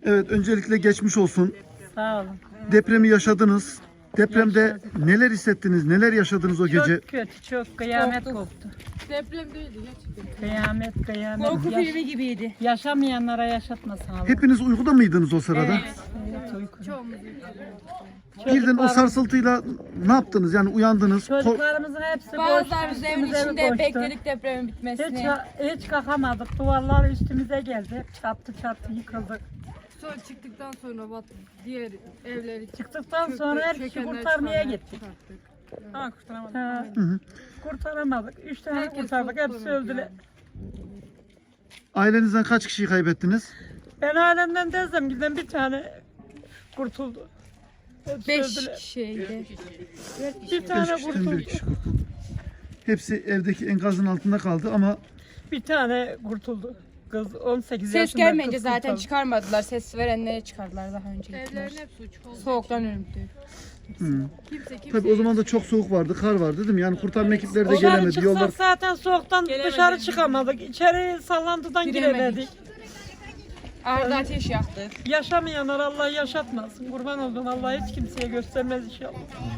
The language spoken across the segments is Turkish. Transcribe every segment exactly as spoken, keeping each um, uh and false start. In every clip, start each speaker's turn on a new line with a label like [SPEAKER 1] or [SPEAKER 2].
[SPEAKER 1] Evet, öncelikle geçmiş olsun.
[SPEAKER 2] Sağ olun.
[SPEAKER 1] Depremi yaşadınız. Depremde
[SPEAKER 2] Yaşadık.
[SPEAKER 1] neler hissettiniz, neler yaşadınız o gece?
[SPEAKER 2] Çok kötü, çok kıyamet
[SPEAKER 3] Korktuk.
[SPEAKER 2] koptu.
[SPEAKER 3] Deprem değildi gerçekten.
[SPEAKER 2] Kıyamet, kıyamet.
[SPEAKER 3] Korku
[SPEAKER 2] Yaş-
[SPEAKER 3] filmi gibiydi.
[SPEAKER 2] Yaşamayanlara yaşatmasın Allah.
[SPEAKER 1] Hepiniz uykuda mıydınız o sırada?
[SPEAKER 2] Evet, uyku.
[SPEAKER 3] Çoğumuz.
[SPEAKER 1] Birden o
[SPEAKER 2] Çocuklarımız-
[SPEAKER 1] sarsıltıyla ne yaptınız? Yani uyandınız. Ko-
[SPEAKER 2] Çocuklarımızın hepsi koştu.
[SPEAKER 3] Bazılarımız evin
[SPEAKER 2] üstümüze
[SPEAKER 3] içinde
[SPEAKER 2] koştu.
[SPEAKER 3] bekledik depremin
[SPEAKER 2] Hiç,
[SPEAKER 3] bitmesini.
[SPEAKER 2] hiç kalkamadık. Duvarlar üstümüze geldi. Çattı çattı yıkıldık.
[SPEAKER 3] Sonra çıktıktan sonra bat diğer evleri
[SPEAKER 2] Çıktıktan
[SPEAKER 3] çöktü,
[SPEAKER 2] sonra her kişi
[SPEAKER 3] çökenler
[SPEAKER 2] kurtarmaya
[SPEAKER 3] çıkanlar
[SPEAKER 2] gittik.
[SPEAKER 3] çıkarttık.
[SPEAKER 2] Ama kurtaramadık. Ha,
[SPEAKER 1] Hı hı.
[SPEAKER 2] kurtaramadık. Üç tane
[SPEAKER 3] Herkes
[SPEAKER 2] kurtardık.
[SPEAKER 3] çok
[SPEAKER 2] Hepsi
[SPEAKER 3] korktu
[SPEAKER 2] öldüler.
[SPEAKER 3] yani.
[SPEAKER 1] Ailenizden kaç kişiyi kaybettiniz?
[SPEAKER 2] Ben ailemden teyzem giden bir tane kurtuldu. Hepsi
[SPEAKER 3] Beş
[SPEAKER 2] öldüler.
[SPEAKER 3] kişiydi.
[SPEAKER 2] Bir tane
[SPEAKER 1] Beş kişiden
[SPEAKER 2] kurtuldu.
[SPEAKER 1] bir kişi kurtuldu. Hepsi evdeki enkazın altında kaldı ama
[SPEAKER 2] Bir tane kurtuldu. Kız on sekiz
[SPEAKER 3] Ses
[SPEAKER 2] yaşında
[SPEAKER 3] gelmeyince
[SPEAKER 2] kız
[SPEAKER 3] zaten
[SPEAKER 2] kurtardı.
[SPEAKER 3] çıkarmadılar. Ses verenleri çıkardılar daha önce.
[SPEAKER 4] Evlerin hepsi uçuk oldu.
[SPEAKER 3] Soğuktan ölümdü.
[SPEAKER 1] hı.
[SPEAKER 4] Kimse kimse.
[SPEAKER 1] tabii o zaman da çok soğuk vardı, kar vardı değil mi? Yani kurtarma ekipleri de
[SPEAKER 2] Dışarı
[SPEAKER 1] gelemedi.
[SPEAKER 2] çıksak
[SPEAKER 1] Yollar
[SPEAKER 2] zaten soğuktan dışarı çıkamadık. İçeri sallantıdan
[SPEAKER 3] Giremedik.
[SPEAKER 2] giremedik.
[SPEAKER 3] Arada ateş yaktık.
[SPEAKER 2] Yaşamayanlar Allah yaşatmasın. Kurban olduğum Allah hiç kimseye göstermez inşallah.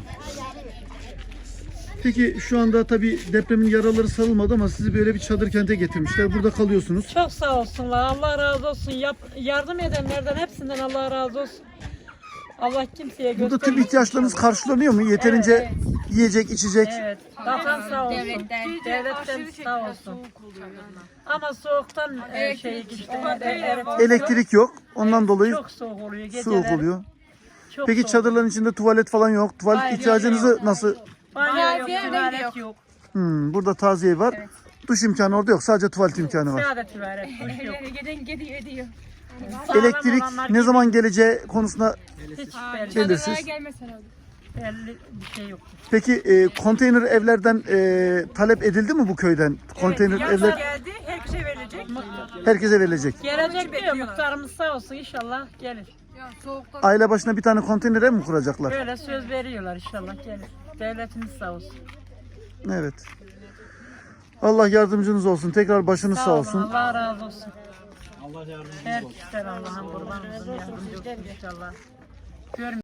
[SPEAKER 1] Peki şu anda tabii depremin yaraları sarılmadı ama sizi böyle bir çadır kente getirmişler. Burada kalıyorsunuz.
[SPEAKER 2] Çok sağ olsunlar. Allah razı olsun. Yap, yardım edenlerden hepsinden Allah razı olsun. Allah kimseye
[SPEAKER 1] Burada
[SPEAKER 2] göstermez.
[SPEAKER 1] tüm ihtiyaçlarınız karşılanıyor mu? Yeterince
[SPEAKER 2] Evet,
[SPEAKER 1] yiyecek, içecek.
[SPEAKER 2] Evet. Bakan sağ olsun.
[SPEAKER 3] Devletten.
[SPEAKER 2] Devletten sağ olsun. Ama soğuktan e, şey işte. evet,
[SPEAKER 1] Elektrik yok. Ondan dolayı
[SPEAKER 2] Çok soğuk oluyor geceler.
[SPEAKER 1] soğuk oluyor.
[SPEAKER 2] Çok
[SPEAKER 1] Peki
[SPEAKER 2] soğuk.
[SPEAKER 1] çadırların içinde tuvalet falan yok. Tuvalet
[SPEAKER 2] Hayır,
[SPEAKER 1] ihtiyacınızı nasıl?
[SPEAKER 2] Banyo yok,
[SPEAKER 3] Taziye
[SPEAKER 2] tuvalet
[SPEAKER 3] evde
[SPEAKER 2] yok.
[SPEAKER 3] yok.
[SPEAKER 1] Hmm, burada taziye var. Duş imkanı orada yok. Sadece tuvalet imkanı var.
[SPEAKER 2] Sadece tuvalet, duş yok.
[SPEAKER 3] Giden gidiyor ediyor.
[SPEAKER 2] Sağlam
[SPEAKER 1] Elektrik
[SPEAKER 2] olanlar
[SPEAKER 1] ne zaman geleceği konusunda
[SPEAKER 2] hiç belli,
[SPEAKER 1] belirsiz.
[SPEAKER 3] Çadırlara gelmesen oldu.
[SPEAKER 2] belli bir şey yok.
[SPEAKER 1] Peki e, konteyner evlerden e, talep edildi mi bu köyden? Konteyner evler
[SPEAKER 2] geldi, herkese verilecek.
[SPEAKER 1] herkese verilecek.
[SPEAKER 2] Gelecek diyor, muhtarımız sağ olsun inşallah gelir.
[SPEAKER 4] Ya soğuktan
[SPEAKER 1] Aile başına bir tane konteyner ev mi kuracaklar?
[SPEAKER 2] Böyle söz veriyorlar inşallah gelir. Devletimiz sağ olsun.
[SPEAKER 1] Evet. Allah yardımcınız olsun. Tekrar başınız sağ
[SPEAKER 2] olun,
[SPEAKER 1] olsun.
[SPEAKER 2] Allah razı olsun. Allah yardımcınız olsun. Herkesten Allah'ın kurban olsun, yardımcı olsun inşallah. Görmüyor.